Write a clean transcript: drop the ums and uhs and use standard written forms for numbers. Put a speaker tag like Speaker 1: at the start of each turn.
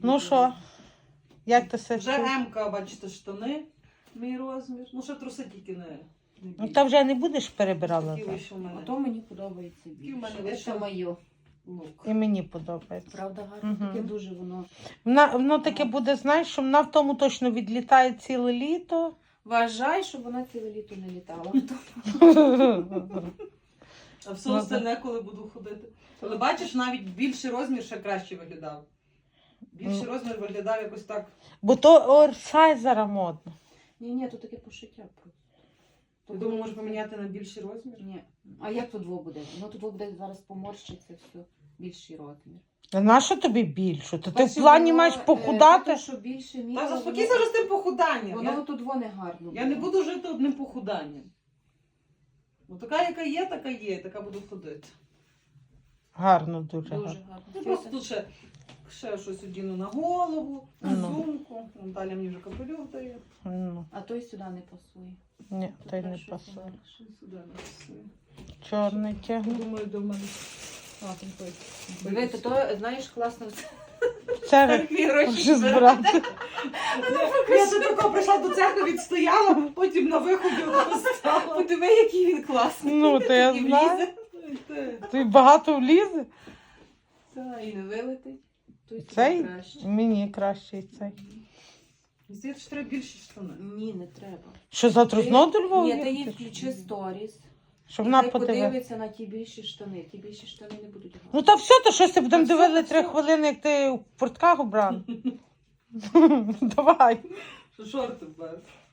Speaker 1: Ну що? Як ти себе
Speaker 2: Вже
Speaker 1: чуєш?
Speaker 2: М-ка, бачите, штани. Мій розмір. Ну, ще труси тільки не
Speaker 1: Ну,
Speaker 2: більше.
Speaker 1: та вже не будеш перебирала.
Speaker 2: Такі
Speaker 1: так?
Speaker 2: вийшов у мене.
Speaker 3: А то мені подобається
Speaker 2: Такі в мене
Speaker 3: більше.
Speaker 2: вийшли.
Speaker 3: Це моє.
Speaker 2: Лук.
Speaker 1: І мені подобається.
Speaker 3: Правда, гарно?
Speaker 1: Мгм.
Speaker 3: Таке дуже воно.
Speaker 1: Воно таке буде, знаєш, що вона в тому точно відлітає ціле літо.
Speaker 3: Вважай, щоб вона ціле літо не літала.
Speaker 2: А все
Speaker 1: Ну,
Speaker 2: остальне, коли буду ходити. Але бачиш, навіть більший розмір ще краще виглядав. Більший розмір виглядав якось так.
Speaker 1: Бо то оверсайз зараз модно.
Speaker 3: Ні, тут таке пошиття просто.
Speaker 2: Я думаю, може поміняти на більший розмір?
Speaker 3: Ні. А як тут буде? Ну тут буде зараз поморщиться все. Більший розмір.
Speaker 1: А на що тобі більше? То ти в
Speaker 3: Бачиш,
Speaker 1: плані
Speaker 3: воно,
Speaker 1: маєш похудати?
Speaker 3: те, що більше
Speaker 2: Та
Speaker 3: мірило,
Speaker 2: заспокійся вже з тим похуданням.
Speaker 3: Воно тут воно гарно.
Speaker 2: Я не буду жити одним похуданням. Ну така, яка є, така буду ходити.
Speaker 1: Гарно, дуже
Speaker 3: Дуже
Speaker 1: гарно.
Speaker 3: гарно.
Speaker 2: Ну просто тут ще щось одіну на голову, на
Speaker 1: Ну.
Speaker 2: сумку. Наталя мені вже капелюх дає.
Speaker 1: Ну,
Speaker 3: А той сюди не пасує.
Speaker 1: ні, той не
Speaker 3: Щось
Speaker 1: пасує.
Speaker 3: інакше.
Speaker 2: Що сюди написує?
Speaker 1: Чорний тягне.
Speaker 2: Думаю, до мене. А, там той.
Speaker 3: Диви, то знаєш, класно.
Speaker 1: Це
Speaker 3: Церкві гроші
Speaker 1: вже збирати.
Speaker 2: Я до такого прийшла до церкви, відстояла, потім на виході стала.
Speaker 3: Подиви, який він класний.
Speaker 1: Ну, то я
Speaker 3: І
Speaker 1: знаю.
Speaker 3: влізе.
Speaker 1: Ти багато влізе?
Speaker 3: Та, і не вилетить. Той сюди
Speaker 1: Цей?
Speaker 3: краще.
Speaker 1: Мені кращий цей.
Speaker 2: Здається, що треба більші штани.
Speaker 3: Ні, не треба.
Speaker 1: Що завтра знову до Львова
Speaker 3: Ні, ти їй
Speaker 1: їхати?
Speaker 3: включи сторіс.
Speaker 1: Щоб
Speaker 3: І
Speaker 1: вона
Speaker 3: хай
Speaker 1: подивилася.
Speaker 3: подивиться на ті більші штани. Ті більші штани не будуть гарні.
Speaker 1: Ну та все, то щось ти будемо
Speaker 3: Та все,
Speaker 1: дивили
Speaker 3: та
Speaker 1: 3
Speaker 3: все.
Speaker 1: хвилини, як ти в портках обрав. Давай.
Speaker 2: Що шорти без.